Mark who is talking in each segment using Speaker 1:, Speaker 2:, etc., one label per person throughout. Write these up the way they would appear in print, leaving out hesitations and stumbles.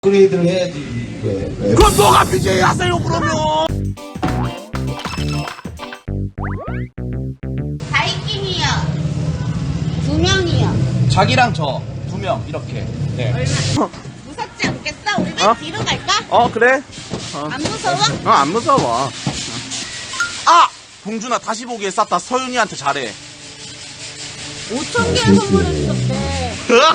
Speaker 1: 업그레이드를 해야지. 왜?
Speaker 2: 그럼 너가 BJ 하세요 그러면.
Speaker 3: 바이킹이요. 2명이요.
Speaker 2: 자기랑 저 2명 이렇게. 네.
Speaker 3: 무섭지 않겠어? 우리 왜 뒤로 갈까?
Speaker 2: 그래?
Speaker 3: 안 무서워?
Speaker 2: 안 무서워. 아! 봉준아 다시 보기에 쌌다. 서윤이한테 잘해.
Speaker 3: 5,000개 선물해주셨대.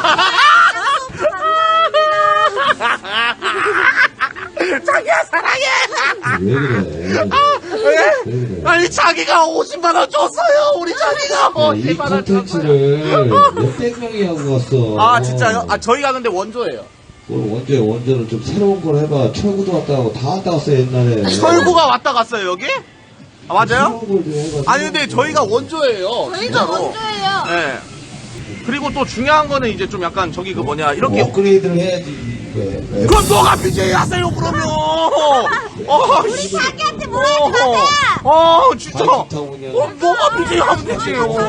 Speaker 2: 자기야 사랑해.
Speaker 1: 왜 그래?
Speaker 2: 왜?
Speaker 1: 왜 그래?
Speaker 2: 아니 자기가 50만원 줬어요. 우리 자기가
Speaker 1: 이
Speaker 2: 50만원 줬어요.
Speaker 1: 콘텐츠를 몇백 명이 하고 왔어.
Speaker 2: 아 진짜요? 아 저희가 근데 원조예요.
Speaker 1: 뭘 원조는 좀 새로운 걸 해봐. 철구도 왔다 가고 다 왔다 갔어 옛날에.
Speaker 2: 철구가 왔다 갔어요 여기? 아 맞아요?
Speaker 1: 새로운 걸좀 해봐.
Speaker 2: 아니 근데 저희가 원조예요.
Speaker 3: 저희가
Speaker 2: 진짜로.
Speaker 3: 원조예요.
Speaker 2: 네. 그리고 또 중요한 거는 이제 좀 약간 저기 그 뭐냐 이렇게
Speaker 1: 업그레이드를 해야지. 왜?
Speaker 2: 그럼 너가 BJ 하세요 그러면.
Speaker 3: 우리 자기한테 뭐라 하지 마세요.
Speaker 2: 진짜.
Speaker 1: 바이크 타고 그냥.
Speaker 2: 너가 BJ 하면 되지요.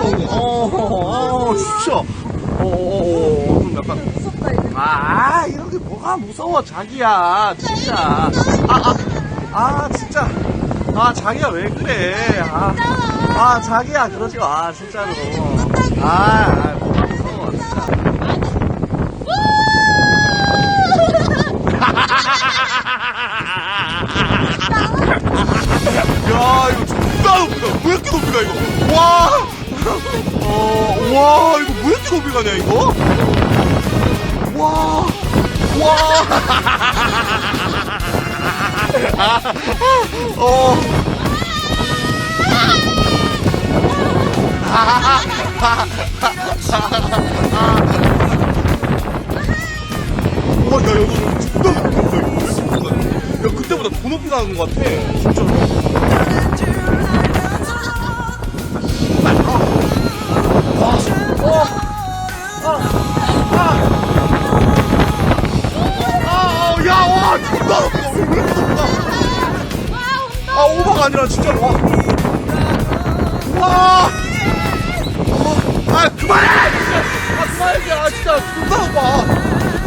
Speaker 2: 진짜. 좀 약간.
Speaker 3: 무섭다 이제.
Speaker 2: 이런 게 뭐가 무서워 자기야 진짜. 진짜. 자기야 왜 그래. 자기야 그러지 마 진짜로. 뭐가 무서워 진짜. 야 이거 존나 높이다. 왜 이렇게 높이 가 이거. 와 이거 왜 이렇게 높이 가냐 이거. 와 야, 이거 존나 높다, 이거. 왜 이렇게 높다, 이거. 야, 그때보다 더 높이 가는 것 같아. 진짜로. 야, 와, 존나 높다. 왜 이렇게 높다. 오버가 아니라 진짜로. 와. 그만해! 그만해! 진짜 존나 높아.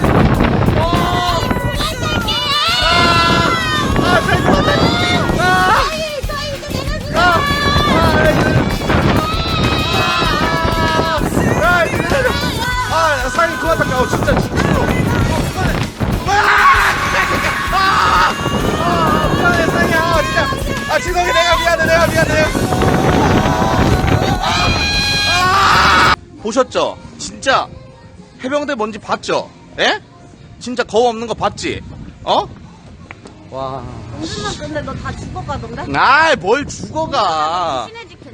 Speaker 2: 사장님 그만 탈게. 진짜 미안해 사장님. 진짜 죄송해. 내가 미안해. 보셨죠? 진짜 해병대 뭔지 봤죠? 예? 진짜 거우 없는 거 봤지? 와.
Speaker 3: 은준아 근데 너 다 죽어가던데?
Speaker 2: 뭘 죽어가.
Speaker 3: 신의 집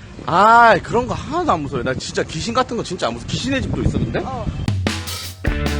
Speaker 3: 괜찮아?
Speaker 2: 그런 거 하나도 안 무서워요. 나 진짜 귀신 같은 거 진짜 안 무서워. 귀신의 집도 있었는데?